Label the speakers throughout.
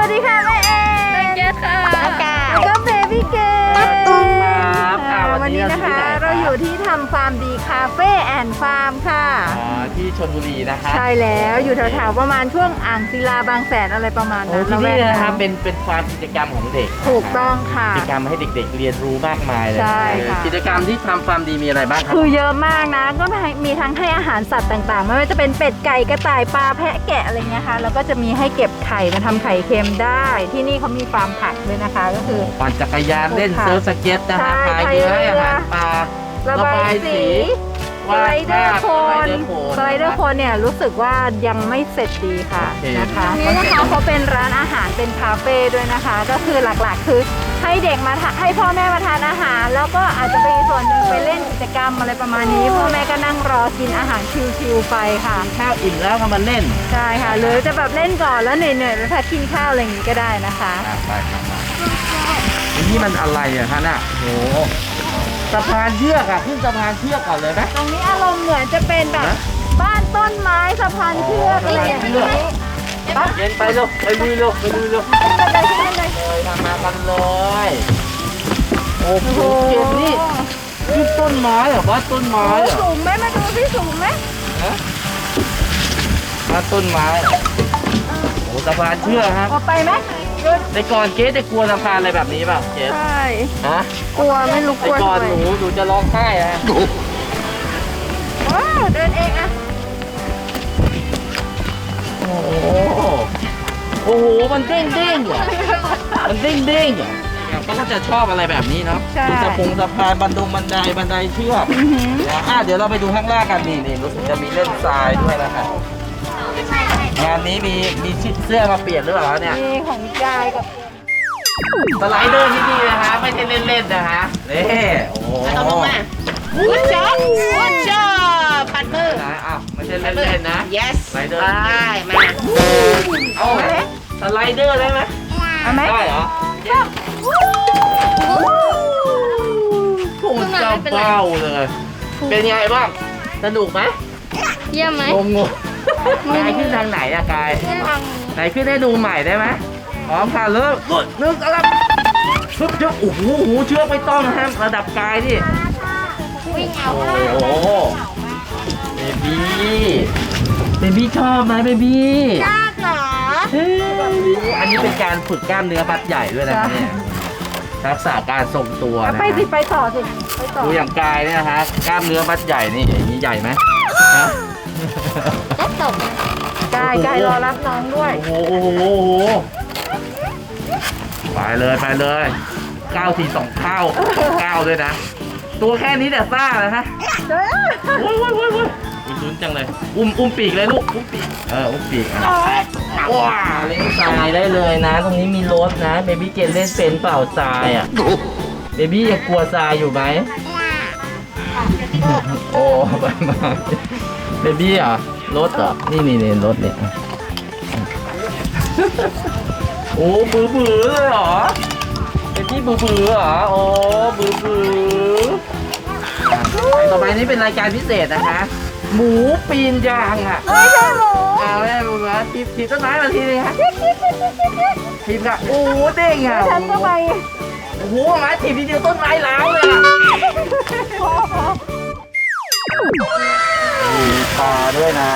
Speaker 1: ดีค่ะแม่เอ๋เกดค่ะแล้วก็เบบี้เกดวันนี้นะคะเราอยู่ที่ทำฟาร์มดีคาเฟ่แอนด์ฟาร์มค่ะ
Speaker 2: ที่ชลบุรีนะคะ
Speaker 1: ใช่แล้วอยู่แถวๆประมาณช่วงอ่างศิลาบางแสนอะไรประมาณนั้น
Speaker 2: ที่นี่นะครับเป็นฟาร์มกิจกรรมของเด็ก
Speaker 1: ถูกต้องค่ะ
Speaker 2: กิจกรรมให้เด็กๆเรียนรู้มากมายเลย
Speaker 1: ใช่ค่ะ
Speaker 2: กิจกรรมที่ทำฟาร์มดีมีอะไรบ้างครับ
Speaker 1: คือเยอะมากนะก็มีทั้งให้อาหารสัตว์ต่างๆไม่ว่าจะเป็นเป็ดไก่กระต่ายปลาแพะแกะอะไรเงี้ยค่ะแล้วก็จะมีให้เก็บไข่มาทำไข่เค็มได้ที่นี่เขามีฟาร์มผักด้วยนะคะก็คือ
Speaker 2: ปั่นจักรยานเล่นเซิร์ฟสเก็ตนะคะพายเรือให้อาหารปลา
Speaker 1: ระบายสีสไลเดอร์โคนเนี่ยรู้สึกว่ายังไม่เสร็จดีค่ะนะคะนี่นะคะเขาเป็นร้านอาหารเป็นคาเฟ่ด้วยนะคะก็คือหลักๆคือให้เด็กมาให้พ่อแม่มาทานอาหารแล้วก็อาจจะไปส่วนหนึ่งไปเล่นกิจกรรมอะไรประมาณนี้พ่อแม่ก็นั่งรอกินอาหารชิวๆไปค่ะ
Speaker 2: ข้าวอิ่มแล้วก็มาเล่น
Speaker 1: ใช่ค่ะหรือจะแบบเล่นก่อนแล้วเหนื่อยๆแล้วพักกินข้าวอะไรอย่างนี้ก็ได้นะคะ
Speaker 2: ไปครับนี่มันอะไรอ่ะท่านอ่ะโหสะพานเชือกอะขึ้นสะพานเชือกก่อนเลยไหม
Speaker 1: ตรงนี้อารมณ์เหมือนจะเป็นแบบบ้านต้นไม้สะพานเชือกอะไรอย่างนี้
Speaker 2: เย็นไปลูกไปลุยลูกเลยทำมากันเลยโอ้โหเก็บนี่ต้นไม้เหรอบ้านต้นไม้
Speaker 1: สูงไหมมาดูที่สูงไหม
Speaker 2: บ้านต้นไม้โอ้สะพานเชือกครับ
Speaker 1: ออกไปไหม
Speaker 2: แต่ก่อนเจ๊จะกลัวสะพานอะไรแบบนี้ป่ะเจ๊
Speaker 1: ใช่
Speaker 2: ฮะ
Speaker 1: กลัวไม่รู้กลัว
Speaker 2: แต่ก่อนหนูจะร้องไห้นะ
Speaker 1: เดินเองอะ
Speaker 2: โอ้โหมันเด้งเหรอมันเด้งเหรอเขาก็จะชอบอะไรแบบนี้เนาะดูสะพานบันไดเชือกเดี๋ยวเราไปดูข้างล่างกันนี่รู้สึกจะมีเล่นทรายด้วยนะครับงานนี้มีชิดเสื้อมาเปลี่ยนหรือเปล่าเนี่ย
Speaker 1: มีของยายกับ
Speaker 2: สไลเดอร์ที่นี่นะคะไม่ใช่เล่นๆนะคะนี่โอ้โห
Speaker 1: ลงมาวุ้นช็อปปัดมือ
Speaker 2: นะอ้าวไม่ใช่เล่นๆนะ
Speaker 1: yes
Speaker 2: สไลเดอร์
Speaker 1: ได้มา
Speaker 2: เอาสไลเดอร์ได้ไหมได้เหรอพุ่งเจ้าเป้าเลยเป็นไงบ้างสนุกไหม
Speaker 1: เยี่ยมไหม
Speaker 2: งงกายขึ้นทางไหนอะกายไหนขึ้นให้ดูใหม่ได้ไหมพร้อมค่ะเริ่มนึกอะไรชุบโอ้โหเชือกไม่ต้องนะระดับกายดิ
Speaker 1: วิ่งเอา
Speaker 2: โอ้โหเบบี้ชอบไหมเบบี้
Speaker 1: ชอบเหรอ
Speaker 2: อันนี้เป็นการฝึกกล้ามเนื้อมัดใหญ่ด้วยนะเนี่ยทักษะการทรงตัวนะ
Speaker 1: ไปต่อสิไปต่อ
Speaker 2: ดูอย่างกายเนี่ยนะฮะกล้ามเนื้อมัดใหญ่นี่อย่างนี้ใหญ่ไหมฮะ
Speaker 1: ก็ตกกายรอรับน้องด้วย
Speaker 2: โอ้โหไปเลย9-2เท่า9ด้วยนะตัวแค่นี้แต่ซ่านะฮะโว้ยลุ้นจังเลยอุ้มปีกเลยลูกอุ้มปีกอุ้มปีกว้าเล่นทรายได้เลยนะตรงนี้มีรถนะเบบี้เกนเล่นเป็นเปล่าทรายอ่ะเบบี้ยังกลัวทรายอยู่ไหมโอ้มาเบบี้อ่ะรถเหรอนี่รถเนี่ยโอ้บื้อเลยเหรอเป็นที่บื้อเหรอโอ้บื้อต่อไปนี้เป็นรายการพิเศษนะคะหมูปีนยางอ่ะ
Speaker 1: ไม่ใช่หมู
Speaker 2: ไม่ใช่หมูนะทีต้นไม้มาทีนึงฮะทีมกับโอ้เด้งอ่ะ
Speaker 1: ฉันก็ไป
Speaker 2: โอ้โหไม้ทีมทีเดียวต้นไม้ล้าวเลยอ่ะมีปลาด้วยนะ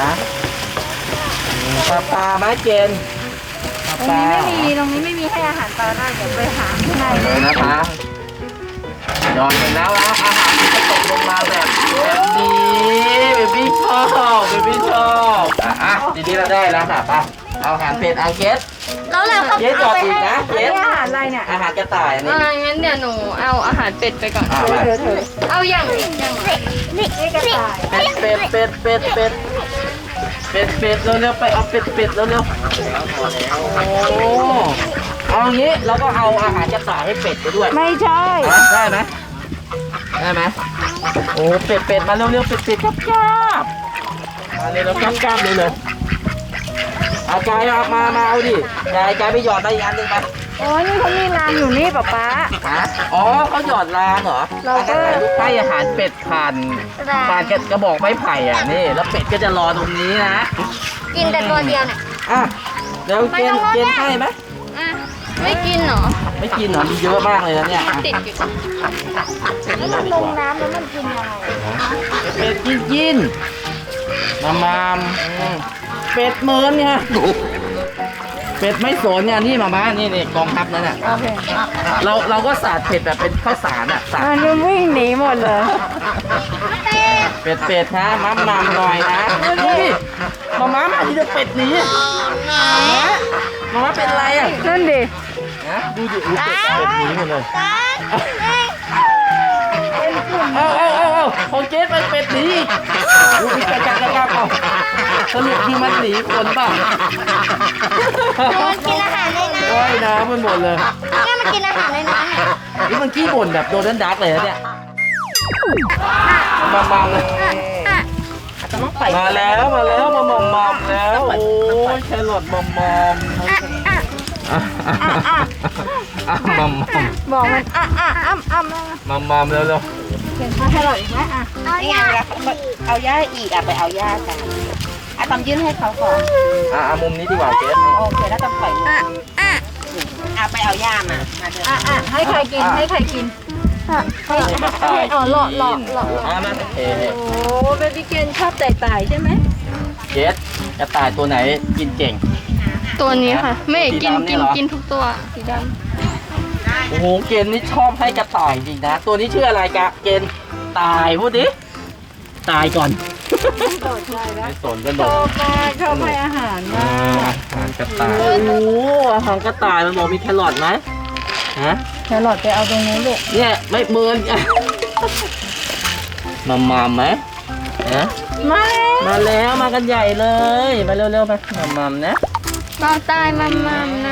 Speaker 2: ปลาไม้เกณฑ์
Speaker 1: ตรงนี้ไม่มีให้อาหารปลาได้เดี๋ยวไปหาข้างใน
Speaker 2: เลยนะคะยอดไปแล้วนะอาหารที่จะตกลงมาแบบนี้เบบี้ชอบทีนี้เราได้แล้วค่ะป่ะเอาอาหารเป็ดเกส
Speaker 1: แล้วเรา
Speaker 2: เกสจอดอีกนะเกส
Speaker 1: อาหารอะไรเนี่ย
Speaker 2: อาหารกระต่ายอันนี้
Speaker 3: งั้นเดี๋ยวหนูเอาอาหารเป็ดไปก่อนเอาอย่าง
Speaker 1: นี่กระต่าย
Speaker 2: เป็ดเร็วๆไปเอาเป็ดเร็วๆโอ้เอางี้เราก็เอาอาหารกระต่ายให้เป็ดไปด้วย
Speaker 1: ไม่ใช่
Speaker 2: ได้ไหมโอ้เป็ดมาเร็วๆเป็ดกราบมาเลยแล้วกราบเลยเอากายมาเอาดิกายไปหยอดได้อีกอันหนึ่งไป
Speaker 1: โอ้ยนี่เขามีรางอยู่นี่ป๊า
Speaker 2: อ๋อเขาหยอดรางเหรอ
Speaker 1: เราก็
Speaker 2: ให้อาหารเป็ดผ่านกระบอกไม้ไผ่อ่ะนี่แล้วเป็ดก็จะรอตรงนี้นะ
Speaker 3: กินแต่ตัวเดียวเนี่ย
Speaker 2: เดี๋ยวเกณฑ์ให้ไหม
Speaker 3: ไม่กินเหรอ
Speaker 2: ไม่กินเหรอมีเยอะมากเลยนะเนี่ย
Speaker 3: ติดอยู่
Speaker 1: แล้วมันลงน้ำแล้วมันกินยังไง
Speaker 2: เป็ดกินมามเป็ดเมินเนี่ยเป็ดไม่สนเนี่ยนี่มานี่กองทัพนั่นน่ะ
Speaker 1: โอเค
Speaker 2: เราก็สาดเป็ดแบบเป็นข้าวสารอ่ะสาด
Speaker 1: มันวิ่งหนีหมดเลย
Speaker 2: เป็ดนะมัมหน่อยนะดูดิมาที่จะเป็ดหนีมาเป็นอะไรอ่ะ
Speaker 1: นั่นดิ
Speaker 2: นะดูดิเป็ดหนีหมดเลยเอาของเจ๊ไปเป็ดหนีดูดิกระจับเอาสรุปคือมันหนีคนป่ะ
Speaker 4: มันกินอาหารในน้
Speaker 2: ว่ายน้ำมันหมดเลย
Speaker 4: ำเนี่ยมันกินอาหารในน้ำเนี่ย
Speaker 2: นี่มันขี้บ่นแบบโดนดักเลยนะเนี่ยมาเลย มาแล้วมาแล้วแล้วโอ้ยแครอทมอม
Speaker 1: บอกมัน
Speaker 2: มอมเร็ว
Speaker 1: เห็นข้าวแครอทอีกไหม
Speaker 4: นี่ไงเวลาเอาย่าอีกไปเอาย่ากันตอมยื่นให้เขาก่อน
Speaker 2: มุมนี้ดีกว่าเจ๊
Speaker 4: โอเคแล้วตอมปล่อยมือไปเอาย่ามาเดิน
Speaker 1: ให้ใครกินให้ใครกินหลอก
Speaker 2: มาเอ
Speaker 1: โอ้เบบี้เกนชอบแตกต่ายใช่ไหม
Speaker 2: เจ๊กระต่ายตัวไหนกินเก่ง
Speaker 3: ตัวนี้ค่ะ ไม่กิน
Speaker 2: สีดำเนี่ยเหรอ
Speaker 3: กินทุกตัวสีด
Speaker 2: โอ้โหเกณฑ์นี่ชอบให้กระต่ายจริงนะตัวนี้ชื่ออะไรกะเกณฑ์ตายพูดดิตายก่อน
Speaker 1: โดดใจแล้ว
Speaker 2: ไม่สนกันโด
Speaker 1: ช
Speaker 2: ด
Speaker 1: อบมากชอบให้อาหารมาก
Speaker 2: อาหารกระต่ายโอ้โหอาหารกระต่ายมันบอกมีแครอทไหมฮะ
Speaker 1: แครอทไปเอาตรงนู้นลูก
Speaker 2: เนี่ยไม่เมินมาไหมฮะ มาแล้วมากันใหญ่เลยมาเร็วๆมานะ
Speaker 3: ำเราตายมัมนะ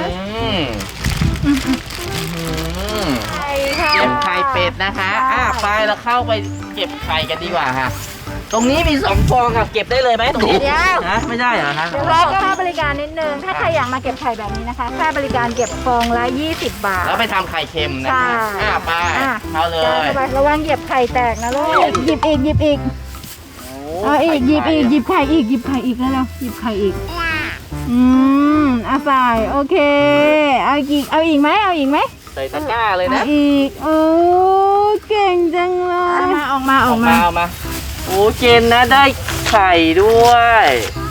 Speaker 2: เก็บไข่เป็ดนะคะไปเราเข้าไปเก็บไข่กันดีกว่าค่ะตรงนี้มี2 ฟองค่ะเก็บได้เลยไหมตรงนี้ฮะไม่ได้เหรอฮะ
Speaker 1: เดี๋ยวเราค่าบริการนิดนึง ถ้าใครอยากมาเก็บไข่แบบนี้นะคะ ค่าบริการเก็บฟองละ20 บาท
Speaker 2: แล้วไปทำไข่เค็มนะ
Speaker 1: ใช่
Speaker 2: คะไปเข้าเลย
Speaker 1: ระวังเหยียบไข่แตกนะลูก หยิบอีก เอาอีกหยิบไข่อีกแล้วหยิบไข่อีกใส่โอเค เอาอีกไหม
Speaker 2: ใส่ตะกร้าเลยนะ
Speaker 1: อีกโอ้เก่งจังเลยออกมา
Speaker 2: โอ้เจนนะได้ไข่ด้วย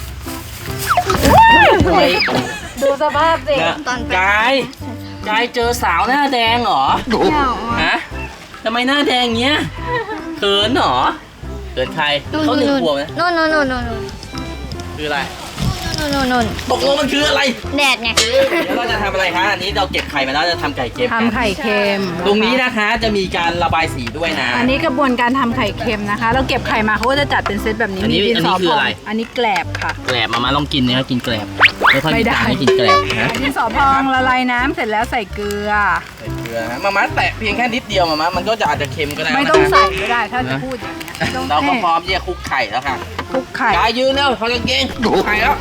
Speaker 1: ดูสภาพสิ
Speaker 2: กายเจอสาวหน้าแดงเหรอฮะทำไมหน้าแดงเงี้ยเขินเหรอเขินใครเขา1 ขวบนะ
Speaker 3: โน่น
Speaker 2: คืออะไร
Speaker 3: นู่น
Speaker 2: ตกลงมันคืออะไร
Speaker 3: แดดไง
Speaker 2: เดี๋ยวเราจะทำอะไรคะอันนี้เราเก็บไข่มาแล้วจะทำไข่เค็มกัน
Speaker 1: ทำไข่เค็ม
Speaker 2: ตรงนี้นะคะจะมีการระบายสีด้วยนะ
Speaker 1: อันนี้กระบวนการทำไข่เค็มนะคะ เราเก็บไข่มาเขาก็จะจัดเป็นเซตแบบนี้
Speaker 2: อันนี้
Speaker 1: มีดินสอ
Speaker 2: อันนี้คือ
Speaker 1: พอ
Speaker 2: อะไร
Speaker 1: งอันนี้แกลบค่ะ
Speaker 2: แกลบมาลองกินนะครับกินแกลบไม่ค่อย
Speaker 1: ไม่
Speaker 2: มี
Speaker 1: ได้
Speaker 2: ตังค์ให้กินแกลบนะ
Speaker 1: ดินสอพองละลายน้ำเสร็จแล้วใส่เกลือ
Speaker 2: ใส่เกลือนะมาแตะเพียงแค่นิดเดียวมันก็จะอาจจะเค็มก็ได้
Speaker 1: ไม่ต้องใส่ก็ได้ถ้าจะพูดอย่างเงี้ยไม่ต้อง
Speaker 2: เราก็พร้อมที่จะคลุกไข่แล้วค่ะ
Speaker 1: คลุกไข่
Speaker 2: กายยืนแล้วเขาจะเก่งคลุกไข่แล้ว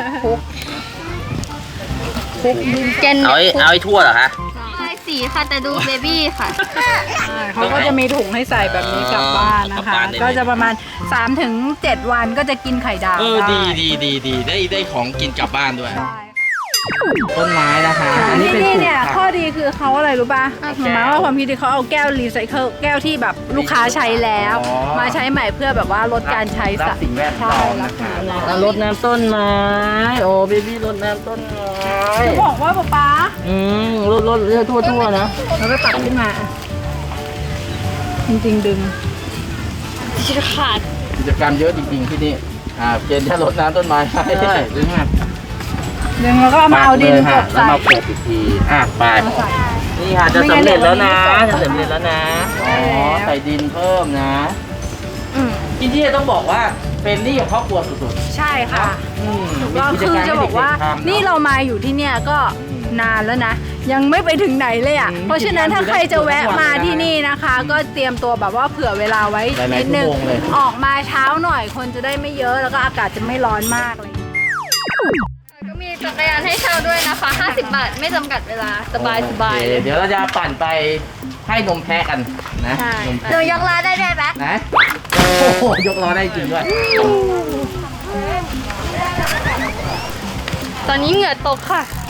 Speaker 3: เจน
Speaker 2: เอาไอ้ทั่วเหรอคะ
Speaker 3: ใช่สีค่ะแต่ดูเบบี้ค่ะ
Speaker 1: เขาก็จะมีถุงให้ใส่แบบนี้กลับบ้านนะคะ ก็จะประมาณ 3-7 วันก็จะกินไข่ดาว
Speaker 2: ดี
Speaker 1: ได้
Speaker 2: ได้ของกินกลับบ้านด้วย
Speaker 1: ใช่
Speaker 2: ต้นไม้นะคะ อันนี้
Speaker 1: ที่
Speaker 2: เป็น
Speaker 1: นี่
Speaker 2: ปลูก
Speaker 1: เนี่ย
Speaker 2: ผัก
Speaker 1: ข้อดีคือเขาอะไรรู้ป่ะหมายว่าความคิดที่เขาเอาแก้วรีไซเคิลแก้วที่แบบลูกค้าใช้แล้ว มาใช้ใหม่เพื่อแบบว่าลดการใช้
Speaker 2: รักสิ่งแวดล้อมนะคะ
Speaker 1: แล้ว
Speaker 2: รดน้ำต้นไม้โอ้เบบี้รดน้ำต้นไม้
Speaker 1: จะบอกว่าป๊า
Speaker 2: รดเลือดทั่วๆนะ
Speaker 1: เราก็ตัดขึ้นมา จริงๆดึง
Speaker 3: ขาด
Speaker 2: กิจกรรมเยอะจริงๆที่นี่เจนจะรดน้ำต้นไม้ให้ใช่ดึงมา
Speaker 1: ดึงแล้วก็เอามาเอาดินก
Speaker 2: แล้ว
Speaker 1: บใส่
Speaker 2: มาโขกอีกทีไปนี่ค่ะจะสำเร็จแล้วนะจะสำเร็จแล้วนะใส่ดินเพิ่มนะที่นี่ต้องบอกว่าเป็นนี่กับครอบครัวสุด
Speaker 1: ใช่ค่ะ
Speaker 2: ๆ
Speaker 1: ก็คือจะบอกว่านี่เรามาอยู่ที่เนี่ยก็นานแล้วนะ ยังไม่ไปถึงไหนเลยอ่ะ เพราะฉะนั้นถ้าใครจะแวะมาที่นี่นะคะ ก็เตรียมตัวแบบว่าเผื่อเวลาไว้นิดนึงออกมาเช้าหน่อยคนจะได้ไม่เยอะแล้วก็อากาศจะไม่ร้อนมากเลย
Speaker 3: ก็มีจักรยานให้เช่าด้วยนะคะ50 บาทไม่จำกัดเวลาสบาย
Speaker 2: โอเคเดี๋ยวเราจะปั่นไปให้นมแพะกันนะ
Speaker 3: ใช่
Speaker 2: นม
Speaker 4: หนู
Speaker 2: แพะ
Speaker 4: ยกล้อได้ไหม
Speaker 2: นะโอ้โหยกล้อได้จริงด้วย
Speaker 3: ตอนนี้เหงื่อตกค่ะ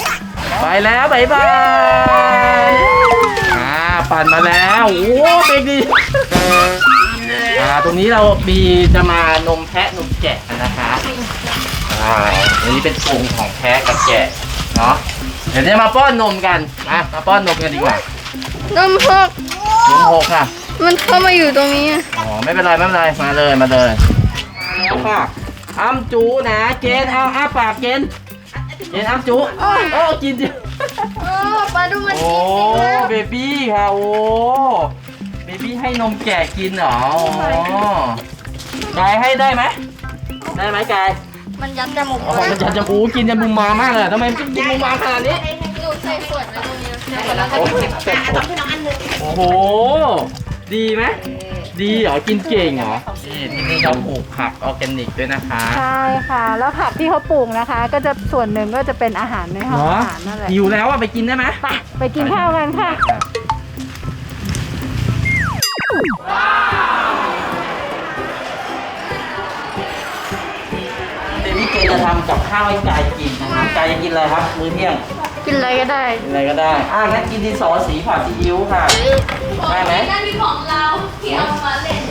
Speaker 2: ไปแล้วบ๊ายบายปั่นมาแล้วโอ้เบรกดีตรงนี้เรามีจะมานมแพะนมแกะนะคะอันนี้เป็นกรงของแพะกับแกะเนาะเดี๋ยวจะมาป้อนนมกันมาป้อนนมกันดีกว่าน
Speaker 3: มพก
Speaker 2: นมหกค่ะ
Speaker 3: มันเข้ามาอยู่ตรงนี้
Speaker 2: อ๋อไม่เป็นไรมาเลยแล้วค่ะอ้ำจูนะเกณฑ์เอาอ้าปากเกณฑ์อ้ำจูโอ้กินจิ
Speaker 3: โอ้ปลาดูมัน
Speaker 2: โอ้เบบี้ค่ะโอ้เบบี้ให้นมแกะกินเหรออ๋อกายให้ได้ไหมกาย
Speaker 3: มันยัดจมูก
Speaker 2: อ๋อมันจะกินจมูกมามากเลยทำไมกินมูมาขนาดนี้
Speaker 3: หนูใส่ขวดไว้ตรงนี้
Speaker 2: โอ้โหดีไหมดีเหรอกินเก่งเหรอนี่ที่นี่เขาปลูกผักออร์แกนิกด้วยนะคะ
Speaker 1: ใช่ค่ะ แล้วผักที่เขาปลูกนะคะ ก็จะส่วนหนึ่งก็จะเป็นอาหารในห้องอาหารนั่นแหละ
Speaker 2: หิวแล้วไปกินได้ไหม
Speaker 1: ไปกินข้าวกันค่ะ
Speaker 2: เดมี่เกจะทำกับข้าวให้กายกินนะครับกายจะกินอะไรครับมื้อเที่ยง
Speaker 3: กินอะไรก็ได้
Speaker 2: กินอะไรก็ได้งั้นกินดินสอสีผัดซีอิ๊วค่ะได้ไหม
Speaker 3: นั่นเป็นของเราที่เอามาเล่น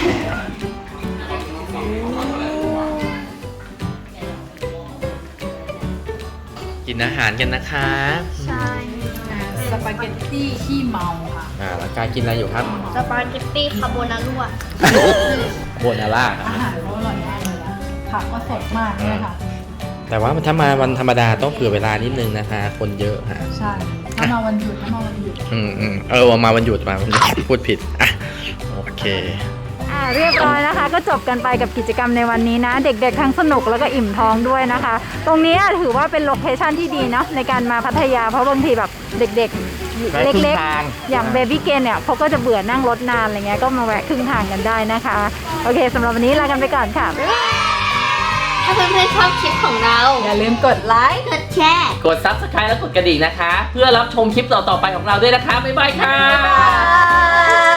Speaker 2: กินอาหารกันนะคะ
Speaker 3: ใช่
Speaker 1: สปาเกตตี้ขี้เมาค่ะ
Speaker 2: แล้วกายกินอะไรอยู่ครับ
Speaker 3: สปาเกตตี้คาโบนาร่า
Speaker 2: โบนาร่า
Speaker 1: อาหารเขาอร่อยมากเลยนะผักก็สดมากเลยค่ะ
Speaker 2: แต่ว่าถ้ามาวันธรรมดาต้องเผื่อเวลานิดนึงนะคะ คนเยอะฮะ
Speaker 1: ใช่ถ้ามาวันหยุด
Speaker 2: มาวันหยุดพูดผิดโอเค
Speaker 1: เรียบร้อยนะคะ ก็จบกันไปกับกิจกรรมในวันนี้นะ เด็กๆทั้งสนุกแล้วก็อิ่มท้องด้วยนะคะ ตรงนี้ถือว่าเป็นโลเคชั่นที่ดีเนาะในการมาพัทยาเพราะบางทีแบบเด็กๆเล็กๆอย่างเบบี้เกนเนี่ยเขาก็จะเบื่อนั่งรถนานอะไรเงี้ยก็มาแวะครึ่งทางกันได้นะคะโอเคสำหรับวันนี้ลากันไปก่อนค่ะ
Speaker 3: ถ้าเพื่อนๆชอบคลิปของเรา
Speaker 1: อย่าลืมกดไลค์
Speaker 3: กดแชร์
Speaker 2: กด Subscribe และกดกระดิ่งนะคะ เพื่อรับชมคลิปต่อๆไปของเราด้วยนะคะบ๊ายบายค่ะ
Speaker 3: บ๊ายบาย